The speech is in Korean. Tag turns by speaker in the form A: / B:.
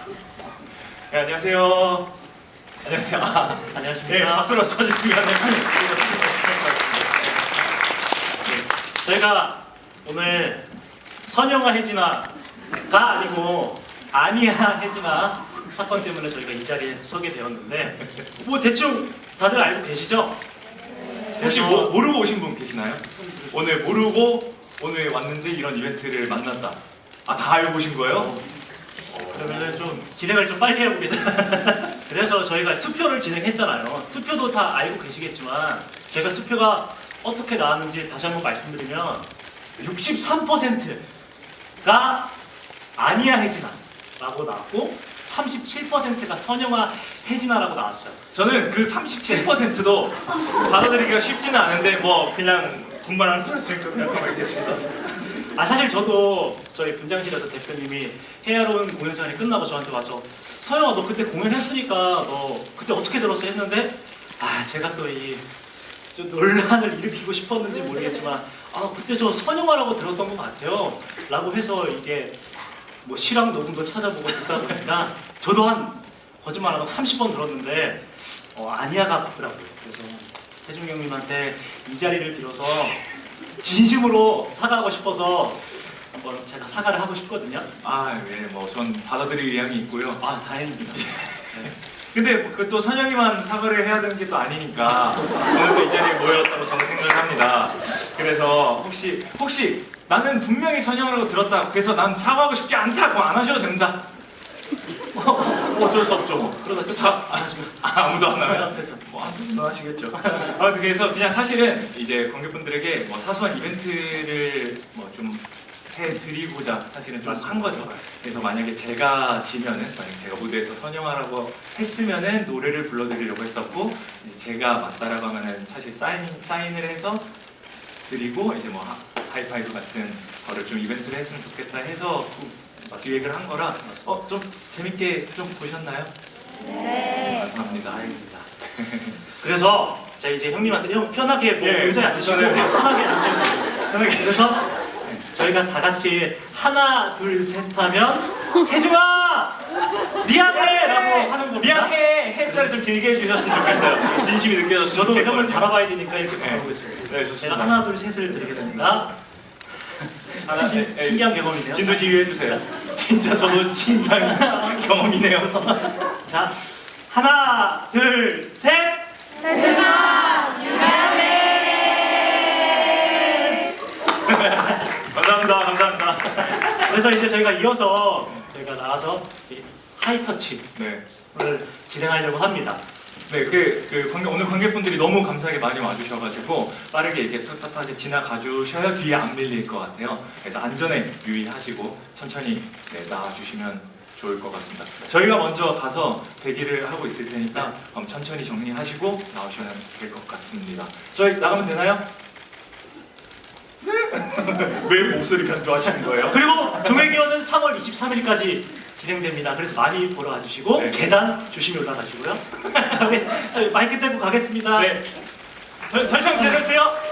A: 네, 안녕하세요. 안녕하세요.
B: 안녕하십니까.
A: 네, 박수로 쳐주시면
B: 저희가 오늘 선영아 혜진아가 아니고 아니야 혜진아 사건 때문에 저희가 이 자리에 서게 되었는데 뭐 대충 다들 알고 계시죠?
A: 혹시
B: 그래서
A: 모르고 오신 분 계시나요? 오늘 모르고 오늘 왔는데 이런 이벤트를 만났다. 아, 다 알고 오신 거예요?
B: 그러면은 좀 진행을 좀 빨리 해보겠습니다. 그래서 저희가 투표를 진행했잖아요. 투표도 다 알고 계시겠지만 제가 투표가 어떻게 나왔는지 다시 한번 말씀드리면 63%가 아니야 혜진아 라고 나왔고 37%가 선영아 혜진아라고 나왔어요.
A: 저는 그 37%도 받아들이기가 쉽지는 않은데 뭐 그냥 분발한 그랬을 좀 약간 알겠습니다.
B: 사실 저도 저희 분장실에서 대표님이 헤아로운 공연 시간이 끝나고 저한테 와서 서영아 너 그때 공연했으니까 너 그때 어떻게 들었어 했는데 제가 또 이 논란을 일으키고 싶었는지 모르겠지만 그때 저 선영아라고 들었던 것 같아요 라고 해서 이게 뭐 실황 녹음도 찾아보고 듣다 보니까 저도 한 거짓말 안 하고 30번 들었는데 아니야가 맞더라고요. 그래서 세중 형님한테 이 자리를 빌어서 진심으로 사과하고 싶어서 한번 제가 사과를 하고 싶거든요.
A: 네, 뭐 전 받아들일 의향이 있고요.
B: 다행입니다. 네.
A: 근데 그 또 선영이만 사과를 해야 되는 게 또 아니니까 오늘 또 이 자리에 모였다고 저는 생각을 합니다. 그래서 혹시 나는 분명히 선영이라고 들었다. 그래서 난 사과하고 싶지 않다. 그거 안 하셔도 됩니다.
B: 어쩔 수 없죠. 뭐. 그러다 진짜 안 하시면
A: 아무도 안 하면
B: 그렇죠.
A: 뭐 아무도 하시겠죠. 그래서 그냥 사실은 이제 관객분들에게 뭐 사소한 이벤트를 뭐 좀 해드리고자 사실은 좀 한 거죠. 그래서 만약에 제가 지면은 만약 제가 무대에서 선영아라고 했으면은 노래를 불러드리려고 했었고 이제 제가 맞다라고 하면은 사실 사인을 해서 드리고 이제 뭐 하이파이브 같은 거를 좀 이벤트를 했으면 좋겠다 해서 기획을 한 거라 좀 재밌게 좀 보셨나요?
B: 네.
A: 감사합니다.
B: 다행입니다. 그래서 자 이제 형님한테 편하게 뭐
A: 예,
B: 의자에 앉으시고
A: 저는-
B: 편하게 앉으시고 그래서 저희가 다 같이 하나 둘 셋 하면 세중아 미안해라고 하는 겁니다.
A: 미안해 해자를 좀 길게 해주셨으면 좋겠어요. 진심이 느껴졌으면
B: 저도 형을
A: 좋겠거든요.
B: 바라봐야 되니까 이렇게
A: 네.
B: 바라보겠습니다.
A: 네, 좋습니다.
B: 제가 하나 둘 셋을 드리겠습니다. 신기한 경험이네요.
A: 진도지휘 해주세요. 진짜 저도 신기한 경험이네요.
B: 자 하나 둘 셋.
C: 세중아 미안해.
A: 감사합니다.
B: 그래서 이제 저희가 이어서 저희가 나가서 이 하이터치를
A: 네.
B: 진행하려고 합니다.
A: 네, 오늘 관객분들이 너무 감사하게 많이 와주셔가지고 빠르게 이렇게 탁탁하게 지나가 주셔야 뒤에 안 밀릴 것 같아요. 그래서 안전에 유의하시고 천천히 나와주시면 좋을 것 같습니다. 저희가 먼저 가서 대기를 하고 있을 테니까 천천히 정리하시고 나오시면 될 것 같습니다. 저희 나가면 되나요? 네. 왜 목소리 변조하시는 거예요?
B: 그리고 종횡기원은 3월 23일까지 진행됩니다. 그래서 많이 보러 와주시고
A: 네.
B: 계단 조심히 올라가시고요. 마이크 떼고 가겠습니다.
A: 네. 잠시만 기다려주세요.